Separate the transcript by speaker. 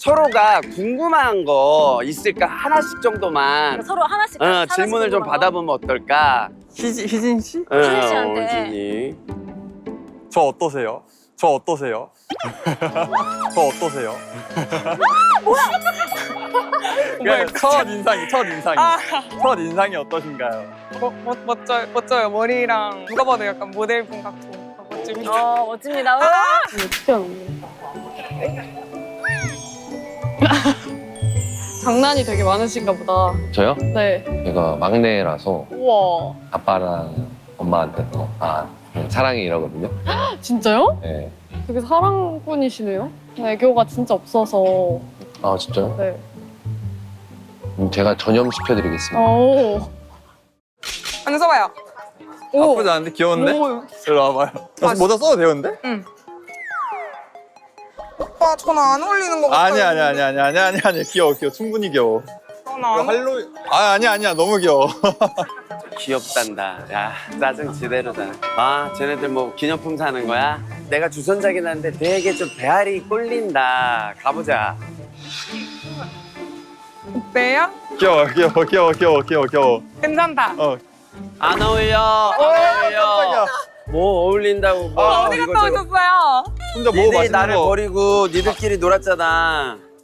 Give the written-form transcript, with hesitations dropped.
Speaker 1: 서로가 궁금한 거 있을까? 하나씩 정도만
Speaker 2: 서로 하나씩
Speaker 1: 질문을 좀 받아보면 어떨까?
Speaker 3: 희진 씨?
Speaker 2: 희진 씨한테.
Speaker 1: 희진이.
Speaker 3: 저 어떠세요? 저 어떠세요? 저 어떠세요? 뭐야? 첫 인상이. 첫 인상이 어떠신가요?
Speaker 4: 멋져요. 머리랑 누가 봐도 약간 모델분 같고 멋집니다.
Speaker 2: 멋집니다.
Speaker 5: 어떻게 하는 장난이 되게 많으신가 보다.
Speaker 6: 저요?
Speaker 5: 네.
Speaker 6: 제가 막내라서
Speaker 5: 우와.
Speaker 6: 아빠랑 엄마한테 사랑해 이러거든요.
Speaker 5: 진짜요?
Speaker 6: 네.
Speaker 5: 되게 사랑꾼이시네요. 애교가 진짜 없어서.
Speaker 6: 아 진짜요?
Speaker 5: 네.
Speaker 6: 제가 전염시켜드리겠습니다.
Speaker 5: 오.
Speaker 4: 앉아봐요.
Speaker 3: 나쁘지 않은데? 귀여운데?
Speaker 4: 오.
Speaker 3: 일로 와봐요. 모자 써도 되는데?
Speaker 4: 오빠 저는 안 어울리는 것 같아요.
Speaker 3: 아니야. 귀여워. 충분히 귀여워.
Speaker 4: 저는
Speaker 3: 이거
Speaker 4: 안
Speaker 3: 할로윈. 아니야. 너무 귀여워.
Speaker 1: 귀엽단다. 야, 짜증 지대로다. 아, 쟤네들 뭐 기념품 사는 거야? 내가 주선자긴 한데 되게 좀 배알이 꼴린다. 가보자.
Speaker 4: 어때요?
Speaker 3: 귀여워.
Speaker 4: 괜찮다.
Speaker 1: 안 어울려. 안 어울려. 뭐 어울린다고. 뭐
Speaker 4: 어디 갔다 오셨어요?
Speaker 3: 혼자 뭐
Speaker 1: 니들이
Speaker 3: 맛있는
Speaker 1: 나를
Speaker 3: 거.
Speaker 1: 버리고 니들끼리 놀았잖아.